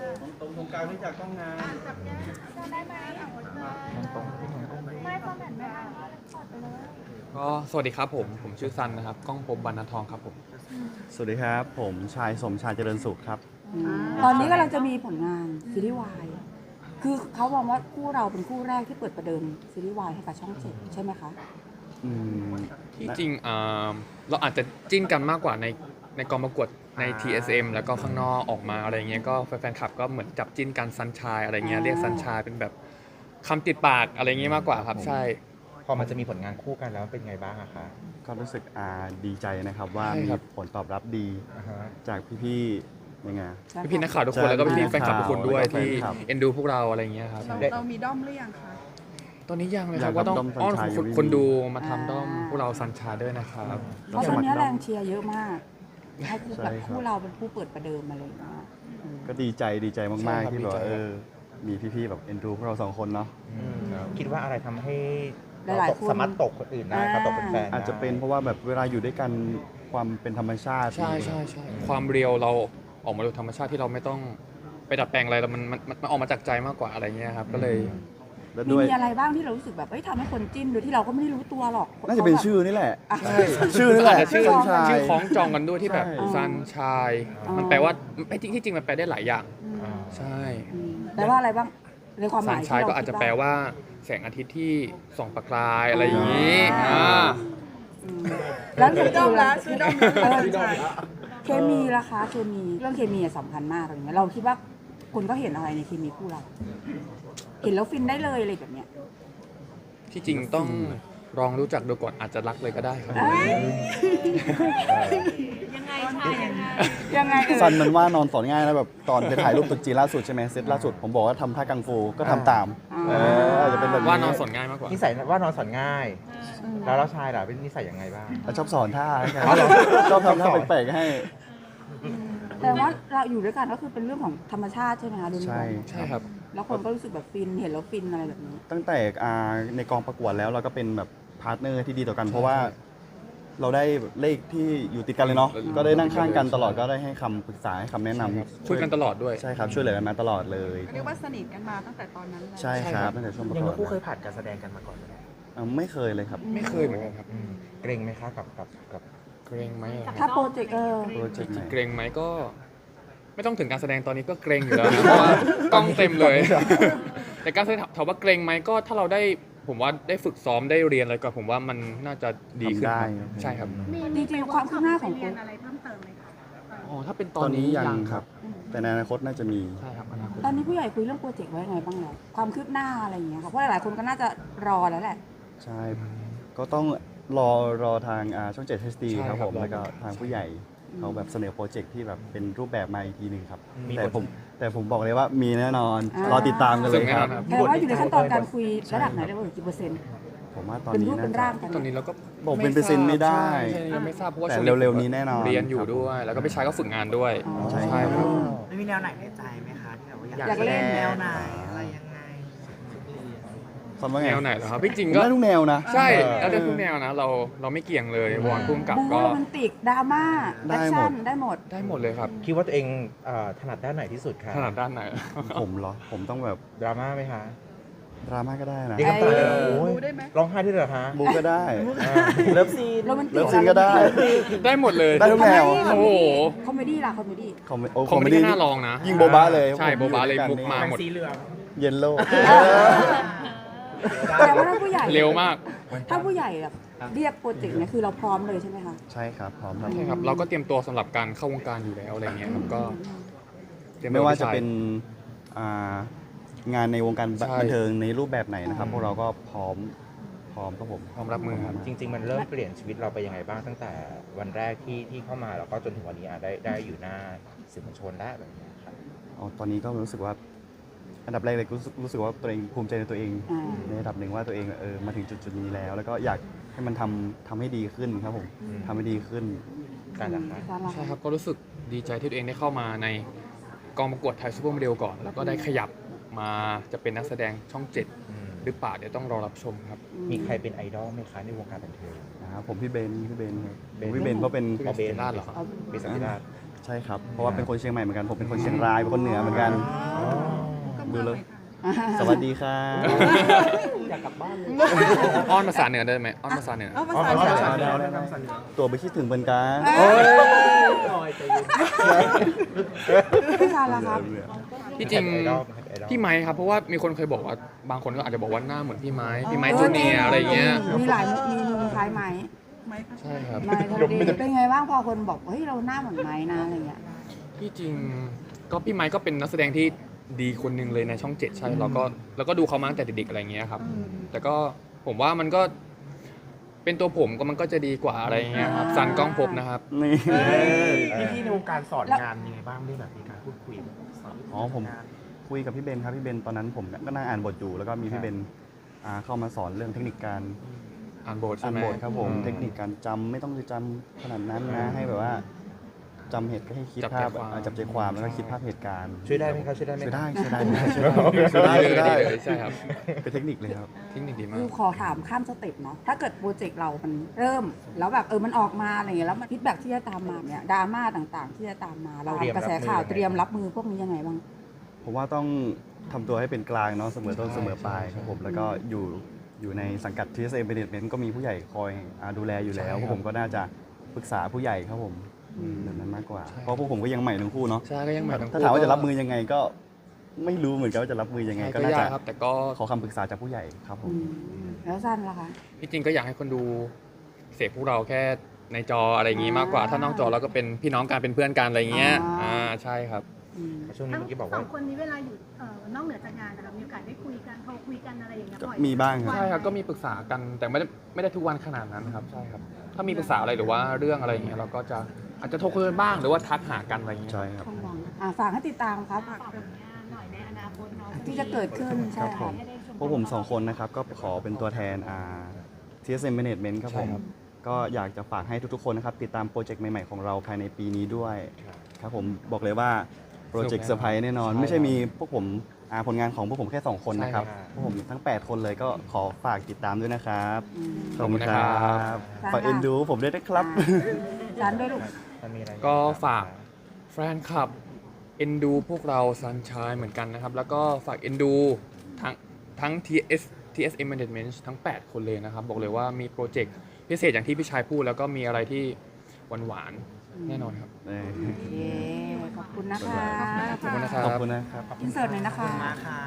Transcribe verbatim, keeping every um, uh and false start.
ตรงตรงกลางที่จากกล้องงานจับแก้มได้ไหมเอาหมดเลยไม่ฟอร์แมตไม่ได้ถอดไปเลยก็สวัสดีครับผมผมชื่อซันนะครับก้องภพบรรณทองครับผมสวัสดีครับ ผมชายสมชายเจริญสุขครับตอนนี้กำลังจะมีผลงานซีรีส์วายคือเขามองว่าคู่เราเป็นคู่แรกที่เปิดประเดิมซีรีส์วายให้กับช่องเจ็ดใช่ไหมคะอืมที่จริงอ่าเราอาจจะจิ้นกันมากกว่าในในกองประกวดใน ที เอส เอ็ม แล้วก็ข้างนอกออกมาอะไรเงี้ยก็แฟนๆคลับก็เหมือนจับจิ้นกันซันชายอะไรเงี้ยเรียกซันชายเป็นแบบคำติดปากอะไรเงี้ยมากกว่าครับใช่พอมันจะมีผลงานคู่กันแล้วเป็นไงบ้างอะคะก็รู้สึกอ่าดีใจนะครับว่าใช่มีครับผลตอบรับดีอ่าฮะจากพี่ๆยังไงพี่ๆนักข่าวทุกคนแล้วก็พี่ๆแฟนคลับทุกคนด้วยแล้วก็ที่แฟนคลับเอ็นดูพวกเราอะไรเงี้ยครับเราเรามีด้อมหรือยังคะตอนนี้ยังเลยคอยารักบว่าต้องด้อมอ้อนซันชายคนอยู่คนดูมาอ่าทำด้อมพวกเราซันชายด้วยนะครับเพราะตอนนี้แรงเชียร์เยอะมากให้คู่ใช่แบบครับคู่เราเป็นผู้เปิดประเดิมอะไรอย่างเงี้ยอืมก็ดีใจดีใจใช่มากครับๆ ที่แบบว่าดีใจเออมีพี่ๆแบบเอ็นดูพวกเราสองคนเนาะคิดว่าอะไรทำให้หลายๆตกคนสามารถตกคนอื่นได้ครับตกเป็นแฟนได้อาจจะเป็นเพราะว่าแบบเวลาอยู่ด้วยกันความเป็นธรรมชาติใช่ใช่ใช่ความเรียวเราออกมาโดยธรรมชาติที่เราไม่ต้องไปดัดแปลงอะไรแล้วมันมันมันออกมาจากใจมากกว่าอะไรเงี้ยครับก็เลยแล้วมีด้วยมีอะไรบ้างที่เรารู้สึกแบบเอ้ยทำให้คนจิ้นโดยที่เราก็ไม่ได้รู้ตัวหรอกน่าจะเป็นขแบบชื่อนี่แหละอ่ะชื่อนี่แหละอาจจะชื่อซันชายชื่อคล้องจองกันด้วยที่แบบใช่ซันชายอ๋อมันแปลว่าไม่ที่ที่จริงมันแปลได้หลายอย่างอืมอ่าใช่อืมแปลว่าอะไรบ้างในความหซัมาน ยชายที่เรก็อาจจะคิดแปลว่าแสงอาทิตย์ที่ส่องประกายอะไรอย่างนี้อ่าอืมแล้วซื้อด้อมละซื้อด้อมละเออเคมีล่ะคะเคมีเรื่องเคมีอะสำคัญมากอะไรเงี้ยเราคิดว่าคนก็เห็นอะไรในเคมีคู่เรา เห็นแล้วฟินได้เลยอะไรแบบเนี้ยที่จริงต้องลองรู้จักดูก่อนอาจจะรักเลยก็ได้ครับยังไงชายยังไงยังไงเออซันมันว่านอนสอนง่ายนะแบบตอนไปถ่ายรูปตุ๊จีนล่าสุดใช่ไหมเซตล่าสุดผมบอกว่าทำท่ากังฟูก็ทำตามเอออาจจะเป็นแบบว่านอนสอนง่ายมากกว่านิสัยว่านอนสอนง่าย แล้วเราชายล่ะเป็นนิสัยยังไงบ้างชอบสอนท่าครับอ๋อเหรอชอบทำท่าแปลกๆให้แต่ว่าเราอยู่ด้วยกันก็คือเป็นเรื่องของธรรมชาติใช่ไหมคะดูใช่ใช่ครับแล้วคนก็รู้สึกแบบฟินเห็นแล้วฟินอะไรแบบนี้ตั้งแต่อ่าในกองประกวดแล้วเราก็เป็นแบบพาร์ทเนอร์ที่ดีต่อกัน เพราะว่าเราได้เลขที่อยู่ติดกันเลยเนาะก็ได้นั่งข้างกันตลอดก็ได้ให้คำปรึกษาให้คำแนะนำคุยกันตลอดด้วยใช่ครับช่วยเหลือกันมาตลอดเลยเรียกว่าสนิทกันมาตั้งแต่ตอนนั้นแล้วใช่ครับตั้งแต่ช่วงประยังกวทั้ดงคู่เคยผ่านการแสดงกันมาก่อนไหมอ่าไม่เคยเลยครับไม่เคยเหมือนกันครับอืมเกรงไหมคะกับกับกับเกรงไหมอะถ้าโปรเจกต์เออโปรเจกต์ไหนเกรงไหมก็ ไม่ต้องถึงการแสดงตอนนี้ก็เกรงอยู่แล้วนะเพราะว่ากล้องเต็มเลย แต่การแสดงถามว่าเกรงไหมก็ถ้าเราได้ผมว่าได้ฝึกซ้อมได้เรียนอะไรก่อนผมว่ามันน่าจะดีขึ้นทำได้ครับใช่ครับจริงๆความคืบหน้าของเรีโปยรนอะไรเพิ่มเติมไหมคะอ๋อถ้าเป็นตตออน นนี้นี้ยัยังงครับ แต่ในอนาคตน่าจะมีใช่ครับอนาคตตอนนี้ผู้ใหญ่คุยเรื่องโปรเจกต์ไว้ยังไงบ้างแล้วความคืบหน้าอะไรอย่างเงี้ยค่ะเพราะหลายๆคนก็น่าจะรอแล้วแหละใช่ ก็ต้องรอรอทางอ่าช่องเจ็ด เอช ดีใช่ครับครับผมรอแล้วก็ทางผู้ใหญ่เขาแบบเสนอโปรเจกต์ที่แบบเป็นรูปแบบมาอีกทีหนึ่งครับ แต่ผมแต่ผมบอกเลยว่ามีแน่นอนอ่าร รอติดตามกันเลยครับแต่ว่าอยู่ในขั้นตอนการคุยระดับไหนได้บ้างกี่เปอร์เซ็นต์ผมว่าตอนเป็นนี้รูปน่าเป็นจะร่างกันตอนนี้เราก็บอกเป็นเปอร์เซ็นต์ไม่ได้ใช่ใช่ยังไม่ทราบเพราะว่าแต่ช่วงเร็วๆนี้แน่นอนเรียนอยู่ครับด้วย แล้วก็พี่ชายก็ฝึกงานด้วยอ๋อใช่ใช่ครับไม่มีแนวไหนในใจไหมคะที่แบบว่าอยากอยากเล่นแนวไหนอะไรยังไงซันว่าไงแนวไหนเหรอครับพี่จริงผมก็ได้ทุกแนวนะใช่แล้วได้ทุกแนวนะเราเราไม่เกี่ยงเลยวอนพุ่มกับบู๊ก็โรแมนติกดราม่าได้แอคหมชั่ดนได้หมดได้หมดเลยครับคิดว่าตัวเองเอ่อถนัดด้านไหนที่สุดคะขนาดด้านไหนผมเหรอ ผมต้องแบบดราม่าไหมคะดราม่าก็ได้นะเรียกน้ำตาเลยเอ้ยโอ้ยดูได้ไหมร้องไห้ด้วยเหรอคะบูก็ได้อ่าเลิฟซีนโรแมนติกเลิฟซีนก็ได้ได้หมดเลยได้ทุกแนวโอ้โหคอมเมดี้ล่ะคอมเมดี้คอมเมโอ้คอมเมดี้น่าลองนะยิงโบบาเลยใช่โบบาเลยบุกมาหมดสีเหลืองเยนโล่แต่ว่าถ้าผู้ใหญ่เร็วมากถ้าผู้ใหญ่แบบเรียกโปรเจกต์เนี่ยคือเราพร้อมเลยใช่ไหมคะใช่ครับ พร้อมครับใช่ครับ เราก็เตรียมตัวสำหรับการเข้าวงการอยู่แล้วอะไรเงี้ยครับก็เตรียไม่ว่าจะตัวเป็นอ่างานในวงการใช่บันเทิงในรูปแบบไหนนะครับอืมพวกเราก็พร้อมพร้อมครับผมพร้อมรับมือครับจริง ๆ มันเริ่มเปลี่ยนชีวิตเราไปยังไงบ้างตั้งแต่วันแรกที่ที่เข้ามาแล้วก็จนถึงวันนี้อ่ะได้ได้อยู่หน้าสื่อมวลชนได้แบบนี้ครับอ๋อตอนนี้ก็รู้สึกว่า อันดับแรกเลยรู้สึกรู้สึกว่าตัวเองภูมิใจในตัวเองอ่าในระดับหนึ่งว่าตัวเองเออมาถึงจุดจุดๆนี้แล้ว แล้วก็อยากให้มันทำทำให้ดีขึ้นครับผมอืมทำให้ดีขึ้นการละคะการละใช่ครับก็รู้สึกดีใจที่ตัวเองได้เข้ามาในกองประกวดไทยซูเปอร์โมเดลก่อน แล้วก็ได้ขยับมาจะเป็นนักแสดงช่องเจ็ดอืมหรือเปล่าเดี๋ยวต้องรอรับชมครับมีใครเป็นไอดอลไหมคะในวงการบันเทิงนะครับผมพี่เบนพี่เบนครับเบนพี่เบนก็เป็นเอาเบนลาดเหรอครับเอาเบนสันติราชใช่ครับ เพราะว่าเป็นคนเชียงใหม่เหมือนกัน ผมเป็นคนเชียงราย เป็นคนเหนือเหมือนกัน ดูเลย สวัสดีครับอ้อนภาษาเหนือได้ไหมอ้อนภาษาเหนือเอาภาษาเหนือตัวไปคิดถึงเป็นกันพี่ชายล่ะครับที่จริงไอดอลไอดอลพี่ไม้ครับเพราะว่ามีคนเคยบอกว่าบางคนก็อาจจะบอกว่าหน้าเหมือนพี่ไม้พี่ไม้จูเนียร์อะไรเงี้ยมีหลายมีมุมคล้ายไหมไม่ค่ะใช่ครับไม่ก็ดีเป็นไงบ้างพอคนบอกเฮ้ยเราหน้าเหมือนไม้นะอะไรเงี้ยที่จริงก็พี่ไม้ก็เป็นนักแสดงที่ดีคนหนึ่งเลยในช่องเจ็ดใช่เราก็เราก็ดูเขามาตั้งแต่เด็กๆอะไรเงี้ยครับแต่ก็ผมว่ามันก็เป็นตัวผมก็มันก็จะดีกว่าอะไรเงี้ยครับซันกล้องภพนะครับนี่พี่พี่ในวงการสอนงานยังไงบ้างได้แบบมีการพูดคุยแบบสอนอ๋อผมคุยกับพี่เบนครับพี่เบนตอนนั้นผมก็นั่งอ่านบทอยู่แล้วก็มีพี่เบนอ่าเข้ามาสอนเรื่องเทคนิคการอ่านบทอ่าใช่นไหมบทครับผมอืเทคนิคการจำไม่ต้องไปจำขนาดนั้นนะให้แบบว่าจำเหตุก็ให้คิดจับใจภาพความอ่าจับใจความแล้วก็คิดภาพเหตุการณ์ช่วยได้ไหมครับช่วยได้ไหมช่วยครับได้ช่วยได้ช่วยได้ช่วยได้ช่วยได้เลยใช่ครับเป็นเทคนิคเลยครับเทคนิคดีมาคืกอขอถามข้ามสเต็ปเนาะถ้าเกิดโปรเจกต์เรามันเริ่ม แล้วแบบเออมันออกมาอะไรอย่างเงี้ยแล้วมันพิดแบ็กที่จะตามมาเนี่ยดราม่าต่างๆ ที่จะตามมาเราเตรียมกระแสรับมือข่าวยังไงเตรียมรับมือพวกนี้ยังไงบ้างผมว่าต้องทำตัวให้เป็นกลางเนาะเสมอต้นเสมอปลายครับผมแล้วก็อยู่อยู่ในสังกัด ที เอส เอ็ม Management ก็มีผู้ใหญ่คอยอ่าดูแลอยู่แล้วพวกผมก็น่าจะปรึกษาผู้ใหญ่ครับผมแบบนั้นมากกว่า เพราะพวกผมก็ยังใหม่ทั้งคู่เนาะใช่ก็ยังใหม่ทั้งคู่ถ้าถามว่าจะรับมือยังไงก็ไม่รู้เหมือนกันว่าจะรับมือยังไงใช่ก็ก็น่ายาจะกครับแต่ก็ขอคำปรึกษาจากผู้ใหญ่ครับผมอืมแล้วสั้นล่ะคะที่จริงก็อยากให้คนดูเสพพวกเราแค่ในจออะไรอย่างงี้มากกว่า ถ้านอกจอเราก็เป็นพี่น้องกันเป็นเพื่อนกันอะไรเงี้ยอ่าใช่ครับอืมช่วงนี้ทั้งเมื่อกี้บอกสว่าองคนนี้เวลาอยู่เอ่อนอกเหนือจากงานนะคะมีโอกาสได้คุยกันโทรคุยกันอะไรอย่างเงี้ยก็บ่อยมีบ้างครับใช่ครับก็มีปรึกษากันแต่ไม่ได้ไม่ได้ทุกวันขนาดนั้นครับใช่ครับถ้ามีปรึกษาอะไรหรือว่าเรื่องอะไรอย่างเงี้ยเราก็จะอาจจะโทรคุยกันบ้างหรือว่าทักหากันอะไรอย่างเงี้ยใช่ครับต้องมองอ่าฝากให้ติดตามครับฝากผลงานหน่อยในอนาคตเนาะที่จะเกิดขึ้นใช่ครับผค่ะม พวกผมสองคนนะครับก็ขอเป็นตัวแทนอ่า ที เอส เอ็ม Management ครับผมก็อยากจะฝากให้ทุกๆคนนะครับติดตามโปรเจกต์ใหม่ๆของเราภายในปีนี้ด้วยครับผมบอกเลยว่าโปรเจกต์เซอร์ไพรส์แน่นอน ไม่ใช่มีพวกผมอ่าผลงานของพวกผมแค่สองคนนะครับพวกผมทั้งแปดคนเลยก็ขอฝากติดตามด้วยนะครับอืมขอบคุณครับฝากเอ็นดูผมด้วยนะครับสั้นด้วยลูกมันมีอะไรก็ฝากแฟนคลับเอ็นดูพวกเราซันชายเหมือนกันนะครับ แล้วก็ฝากเอ็นดูทั้งทั้ง ที เอส ที เอส เอ็ม Management ทั้ง แปด คนเลยนะครับ บอกเลยว่ามีโปรเจกต์พิเศษอย่างที่พี่ชายพูด แล้วก็มีอะไรที่หวานๆแน่นอนครับเอ่อโอเคขอบคุณนะคะขอบคุณนะครัขอบบ คุณนะครับอินเสิร์ตหน่อยนะคะมาค่ะ